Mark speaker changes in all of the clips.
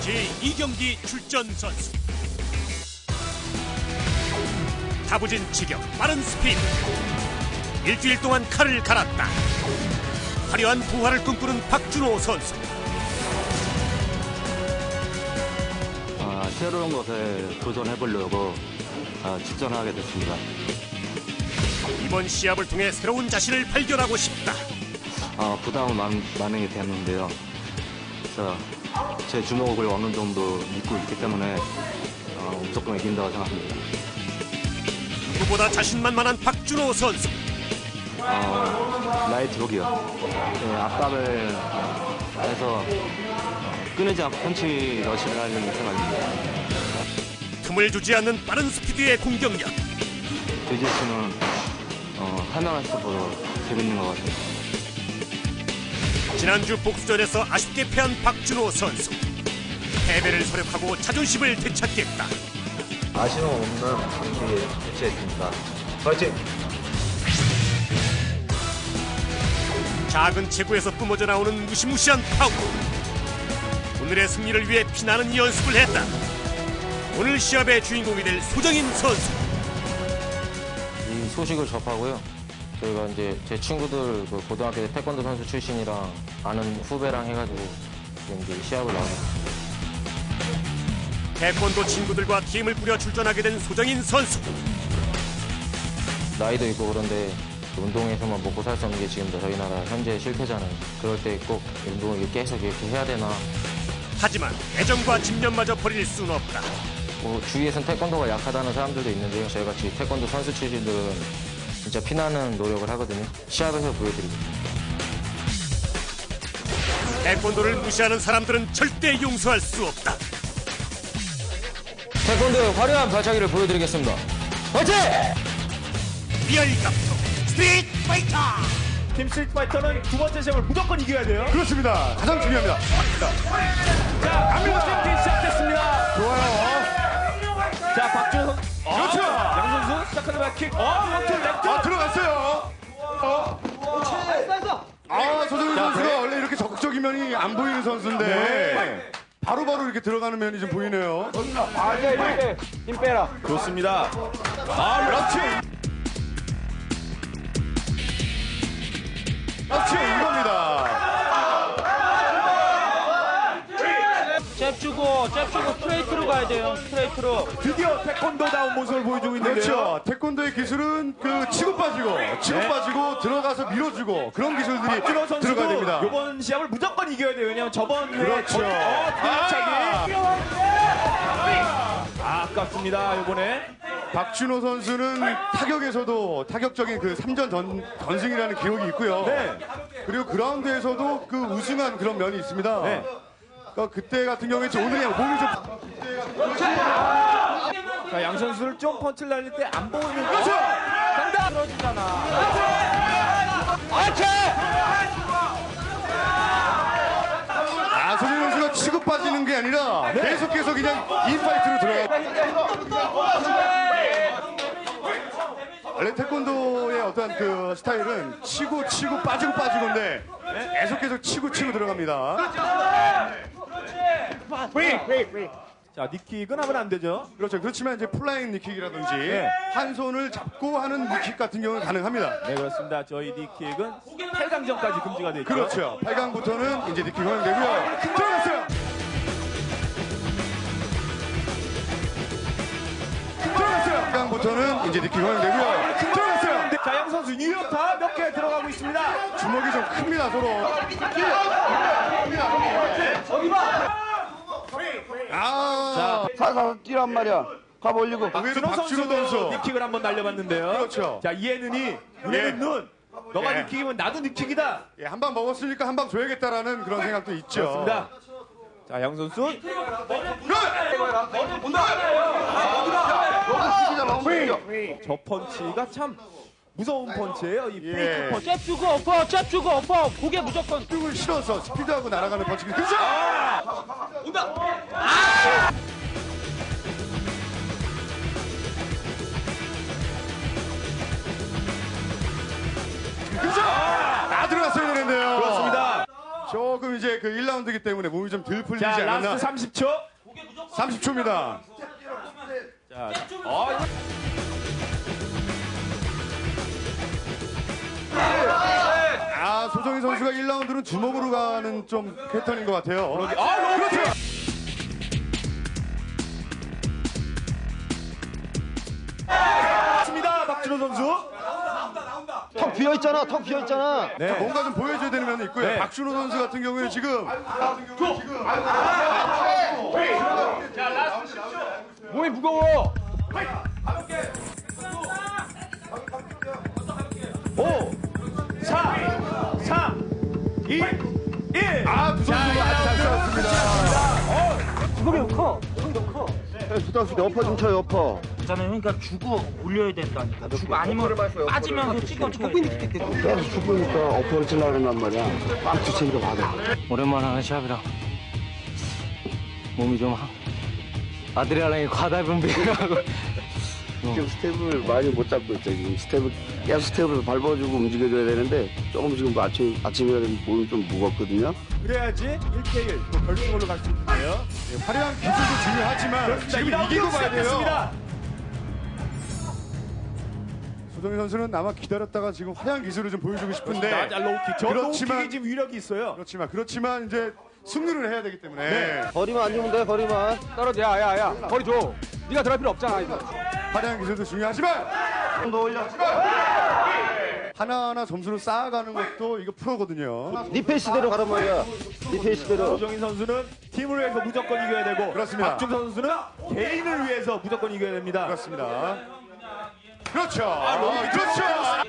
Speaker 1: 제2경기 출전 선수. 다부진 직역, 빠른 스피드. 일주일 동안 칼을 갈았다. 화려한 부활을 꿈꾸는 박준호 선수.
Speaker 2: 새로운 것에 도전해보려고 출전하게 됐습니다.
Speaker 1: 이번 시합을 통해 새로운 자신을 발견하고 싶다.
Speaker 2: 부담은 많이 됐는데요. 그래서 제 주먹을 어느 정도 믿고 있기 때문에 무조건 이긴다고 생각합니다.
Speaker 1: 누구보다 자신만만한 박준호 선수.
Speaker 2: 라이트록이요. 압박을 해서 끊이지 않고 펀치 러시를 하려는 생각입니다.
Speaker 1: 틈을 주지 않는 빠른 스피드의 공격력.
Speaker 2: 주짓수는 설명할수록 재밌는 것 같아요.
Speaker 1: 지난주 복수전에서 아쉽게 패한 박준호 선수. 패배를 서력하고 자존심을 되찾겠다.
Speaker 2: 아쉬움 없는 경기에 개최했습니다. 파이팅!
Speaker 1: 작은 체구에서 뿜어져 나오는 무시무시한 파워. 오늘의 승리를 위해 피나는 연습을 했다. 오늘 시합의 주인공이 될 소정인 선수.
Speaker 3: 이 소식을 접하고요. 저희가 이제 제 친구들 고등학교 때 태권도 선수 출신이랑 아는 후배랑 해가지고 지금 이제 시합을 나왔습니다.
Speaker 1: 태권도 친구들과 팀을 꾸려 출전하게 된 소정인 선수.
Speaker 3: 나이도 있고 그런데 운동에서만 먹고 살 수 없는 게 지금 저희 나라 현재 실패잖아요. 그럴 때 꼭 운동을 계속 이렇게 해야 되나.
Speaker 1: 하지만 애정과 집념마저 버릴 수는 없다.
Speaker 3: 주위에선 태권도가 약하다는 사람들도 있는데요. 저희같이 태권도 선수 출신들은 진짜 피나는 노력을 하거든요. 시합에서 보여드리겠습니다.
Speaker 1: 태권도를 무시하는 사람들은 절대 용서할 수 없다.
Speaker 3: 태권도의 화려한 발차기를 보여드리겠습니다. 화이팅!
Speaker 1: 리얼 감독 스트리트 파이터.
Speaker 4: 팀 스트리트 파이터는 두 번째 시합을 무조건 이겨야 돼요.
Speaker 5: 그렇습니다. 가장 중요합니다.
Speaker 4: 자, 강민호 시작됐습니다.
Speaker 5: 좋아요.
Speaker 4: 자, 박준호 선수.
Speaker 5: 그렇죠.
Speaker 4: 양 선수 시작하는 바킥. 원투 렉
Speaker 5: 들어갔어요. 소정인 선수가 원래 이렇게 적극적인 면이 안 보이는 선수인데 바로바로 이렇게 들어가는 면이 좀 보이네요.
Speaker 4: 힘 빼라. 좋습니다. 그렇지.
Speaker 5: 그렇지, 이겁니다.
Speaker 6: 잽 주고 스트레이트로 가야 돼요. 스트레이트로.
Speaker 4: 드디어 태권도다운 모습을 보여주고 있는데요.
Speaker 5: 그렇죠. 태권도의 기술은 치고 빠지고 들어가서 밀어주고 그런 기술들이
Speaker 4: 박준호 선수도
Speaker 5: 들어가야 됩니다.
Speaker 4: 이번 시합을 무조건 이겨야 돼요. 왜냐면 저번 회에
Speaker 5: 그렇죠.
Speaker 4: 뒤차기. 아깝습니다. 이번에
Speaker 5: 박준호 선수는 타격에서도 타격적인 그 3전 전승이라는 기록이 있고요.
Speaker 4: 네.
Speaker 5: 그리고 그라운드에서도 그 우승한 그런 면이 있습니다.
Speaker 4: 네.
Speaker 5: 그때 같은 경우에 오늘이 몸이 좀
Speaker 4: 자, 양 선수를 좀 펀치를 날릴 때 안 보이는
Speaker 5: 그렇죠.
Speaker 4: 간다.
Speaker 5: 소진 선수가 치고 빠지는 게 아니라 계속해서 그냥 인파이트로 들어가. 원래 태권도의 어떤 그 스타일은 치고 빠지고인데 계속해서 치고 들어갑니다.
Speaker 4: 자, 니킥은 하면 안 되죠.
Speaker 5: 그렇죠. 그렇지만 이제 플라잉 니킥이라든지 한 손을 잡고 하는 니킥 같은 경우는 가능합니다.
Speaker 4: 네, 그렇습니다. 저희 니킥은 8강전까지 금지가 되죠.
Speaker 5: 그렇죠. 8강부터는 이제 니킥 허용되고요. 들어갔어요. 들어갔어요. 8강부터는 이제 니킥 허용되고요. 들어갔어요.
Speaker 4: 자, 양 선수 유효타 몇 개 들어가고 있습니다.
Speaker 5: 주먹이 좀 큽니다, 서로.
Speaker 7: 살살 뛰란 말이야. 가 올리고.
Speaker 5: 박준호
Speaker 4: 선수도
Speaker 5: 선수.
Speaker 4: 니킥을 한번 날려봤는데요.
Speaker 5: 그렇죠.
Speaker 4: 자, 이에는 이, 눈에는 눈. 너가
Speaker 5: 예.
Speaker 4: 니킥이면 나도 니킥이다.
Speaker 5: 한 방 먹었으니까 한 방 줘야겠다라는 그런 생각도 있죠.
Speaker 4: 그렇습니다. 자, 양 선수. 저 펀치가 참 무서운 펀치예요. 이 페이크 펀치.
Speaker 6: 잽 주고 엎어. 고개 무조건.
Speaker 5: 을 실어서 스피드하고 날아가는 펀치. 그렇죠. 그렇죠. 들어갔어야 되는데요.
Speaker 4: 그렇습니다.
Speaker 5: 저 조금 이제 그 1라운드이기 때문에 몸이 좀 덜 풀리지
Speaker 4: 자,
Speaker 5: 않았나.
Speaker 4: 라스트 30초.
Speaker 5: 30초입니다.
Speaker 4: 자,
Speaker 5: 아, 소정희 선수가 1라운드는 주먹으로 가는 좀 패턴인 것 같아요.
Speaker 4: 그렇죠. 맞습니다, 박준호 선수.
Speaker 7: 턱 비어있잖아, 턱 비어있잖아.
Speaker 5: 자, 뭔가 좀 보여줘야 되는 면이 있고요.
Speaker 4: 네.
Speaker 5: 박준호 선수 같은 경우에 지금
Speaker 6: 몸이 무거워.
Speaker 4: 5, 4, 3, 2, 1.
Speaker 5: 아, 두 선수가 아주 잘 싸웠습니다.
Speaker 6: 주먹이 너무 커. 주먹이 너무 커.
Speaker 7: 수다수 엎어 좀 쳐요, 엎어.
Speaker 6: 있잖아요. 그러니까 주고 올려야 된다니까. 주고 아니면 빠지면서 찍어줘야 돼.
Speaker 7: 계속 죽으니까 엎어를 치려고 그런단 말이야. 꽉 주체기로 받아.
Speaker 2: 오랜만에 하는 시합이라 몸이 좀 아드레날린이 과다 분비하고
Speaker 7: 지금 스텝을 많이 못 잡고 있죠. 지금 스텝을 계속 스텝을 밟아주고 움직여줘야 되는데 조금 지금 아침이라 몸이 좀 무겁거든요.
Speaker 4: 그래야지 1대1 또 결승으로 갈 수 있는데요.
Speaker 5: 네, 화려한 기술도 중요하지만 지금 이기고 가야 돼요. 소정희 선수는 아마 기다렸다가 지금 화려한 기술을 좀 보여주고 싶은데
Speaker 4: 로우킥. 저 로우킥이 지금 위력이 있어요.
Speaker 5: 그렇지만 이제 승리를 해야 되기 때문에
Speaker 4: 네.
Speaker 7: 거리만 안 주면 돼, 거리만.
Speaker 6: 떨어져. 야야야. 거리 줘. 네가 들어갈 필요 없잖아 이거.
Speaker 5: 화려한 기술도 중요하지만
Speaker 7: 좀 더 올려.
Speaker 5: 하나하나 점수를 쌓아가는 것도 이거 프로거든요.
Speaker 7: 네 페이스대로 가란 말이야. 네 페이스대로.
Speaker 4: 소정인 선수는 팀을 위해서 무조건 이겨야 되고
Speaker 5: 그렇습니다.
Speaker 4: 박준호 선수는 개인을 위해서 무조건 이겨야 됩니다.
Speaker 5: 그렇습니다. 그렇죠. 그렇죠.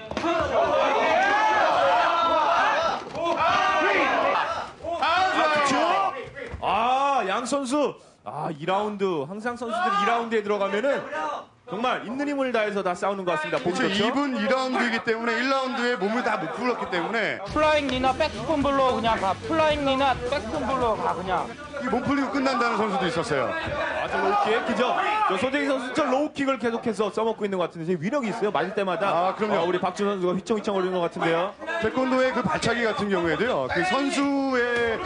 Speaker 4: 그렇죠. 양 선수 2라운드 항상 선수들이 2라운드에 들어가면은 정말 있는 힘을 다해서 다 싸우는 것 같습니다. 보기
Speaker 5: 그렇죠.
Speaker 4: 좋죠?
Speaker 5: 2분 2라운드이기 때문에 1라운드에 몸을 다 못 풀었기 때문에
Speaker 6: 플라잉 니나 백스폰 블로 그냥 가. 플라잉 니나 백스폰 블로 가 그냥.
Speaker 5: 이 몸 풀리고 끝난다는 선수도 있었어요.
Speaker 4: 저 로우킥 그죠? 저 소재희 선수 저 로우킥을 계속해서 써먹고 있는 것 같은데 되게 위력이 있어요. 맞을 때마다.
Speaker 5: 그럼요.
Speaker 4: 우리 박준호 선수가 휘청휘청 거리는 것 같은데요.
Speaker 5: 태권도의 그 발차기 같은 경우에도요. 그 선수의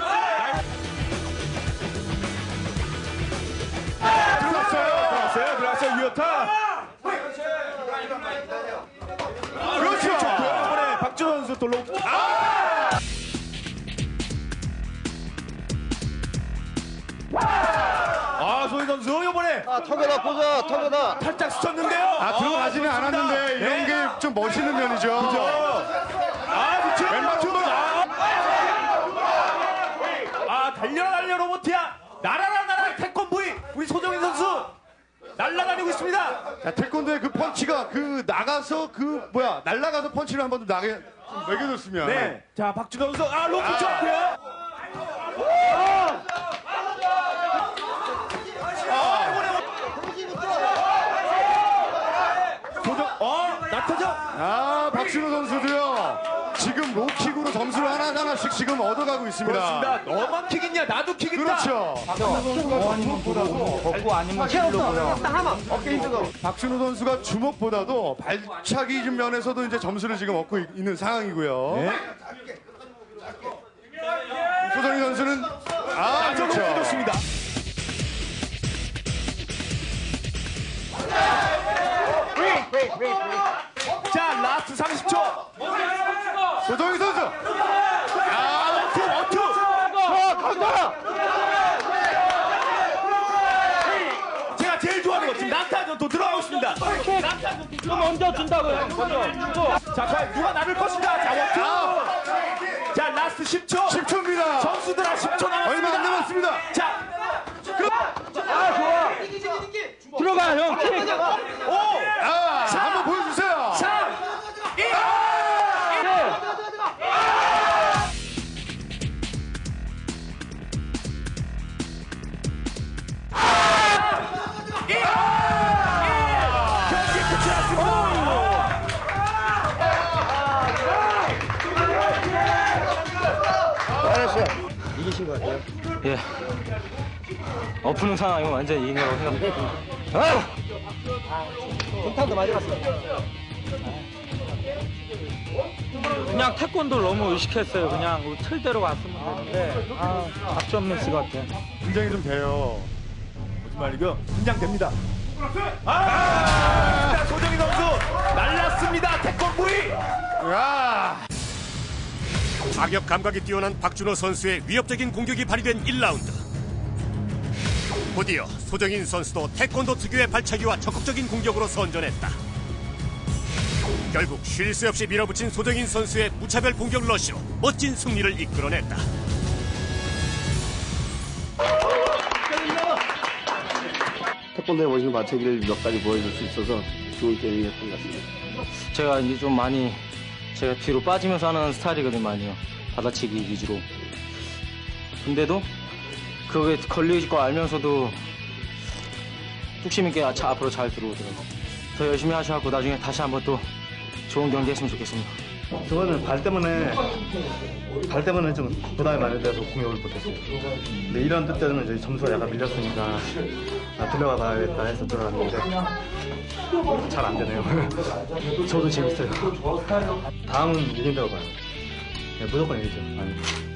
Speaker 4: 들어갔어요. 유효타.
Speaker 5: 그렇죠.
Speaker 4: 이번에 박준호 선수 또 로우킥. 소희 선수 이번에
Speaker 7: 턱에다 보자, 턱에다.
Speaker 4: 살짝 스쳤는데요.
Speaker 5: 들어가지는 않았는데 이런 게 좀 멋있는 면이죠.
Speaker 4: 왼발쪽으로 달려 로보트야. 날아라 태권브이 우리 소정인 선수 날아다니고 있습니다.
Speaker 5: 자, 태권도의 그 펀치가 날아가서 펀치를 한 번 더 나게 좀 매겨줬으면.
Speaker 4: 네. 자, 박준호 선수 로프 좋고요. 낙타죠?
Speaker 5: 박준호 선수도요. 지금 로킥으로 점수를 하나씩 지금 얻어가고 있습니다.
Speaker 4: 그렇습니다. 너만 킥 있냐? 나도 킥 있다.
Speaker 5: 그렇죠.
Speaker 6: 걷고 아니면 킬로고요.
Speaker 5: 박준호 선수가 주먹보다도 발차기 면에서도 이제 점수를 지금 얻고 있는 상황이고요.
Speaker 4: 네.
Speaker 5: 소정희 선수는 그렇죠.
Speaker 4: 좋습니다. 자, 라스트 30초.
Speaker 5: 소정희 선수.
Speaker 4: 원투. 제가 제일 좋아하는 거 지금 낙타전 또 들어가고 있습니다.
Speaker 6: 좀 먼저 준다고요. 먼저 주고.
Speaker 4: 자, 과연 누가 나를 것인가? 자, 원투. 자, 라스트 10초.
Speaker 5: 10초입니다.
Speaker 4: 선수들아 10초 남았습니다.
Speaker 5: 얼마 안 남았습니다.
Speaker 4: 자,
Speaker 6: 좋아. 들어가 형. 킥.
Speaker 4: 5,
Speaker 5: 한번 보여주세요.
Speaker 4: 3, 2, 경기 끝이 났습니다.
Speaker 7: 이기신 것 같아요.
Speaker 2: 예. 엎는 상황이면 완전 이긴 거라고 생각합니다.
Speaker 7: 중탄도 많이 갔어.
Speaker 6: 그냥 태권도를 너무 의식했어요. 그냥 틀대로 갔으면 되는데 작전 미스 같아.
Speaker 5: 긴장이 좀 돼요.
Speaker 4: 무슨 말이고요? 긴장됩니다. 자, 소정인 선수 날랐습니다. 태권브이.
Speaker 5: 야,
Speaker 1: 타격 감각이 뛰어난 박준호 선수의 위협적인 공격이 발휘된 1라운드. 곧이어 소정인 선수도 태권도 특유의 발차기와 적극적인 공격으로 선전했다. 결국 쉴 새 없이 밀어붙인 소정인 선수의 무차별 공격 러쉬로 멋진 승리를 이끌어냈다.
Speaker 7: 태권도에 멋있는 발차기를 몇 가지 보여줄 수 있어서 좋은 게임이었던 것 같습니다.
Speaker 3: 제가 이제 좀 많이 제가 뒤로 빠지면서 하는 스타일이거든요, 많이요. 받아치기 위주로. 근데도 그게 걸릴 거 알면서도 뚝심 있게 앞으로 잘 들어오더라고요. 더 열심히 하셔갖고 나중에 다시 한번 또 좋은 경기 했으면 좋겠습니다.
Speaker 2: 저번에 발 때문에 좀 부담이 많이 돼서 공격을 못했어요. 근데 이런 뜻 때는 이제 점수가 약간 밀렸으니까 들어가 봐야겠다 해서 들어갔는데 잘 안 되네요. 저도 재밌어요. 다음은 이긴다고 봐요. 네, 무조건 이기죠.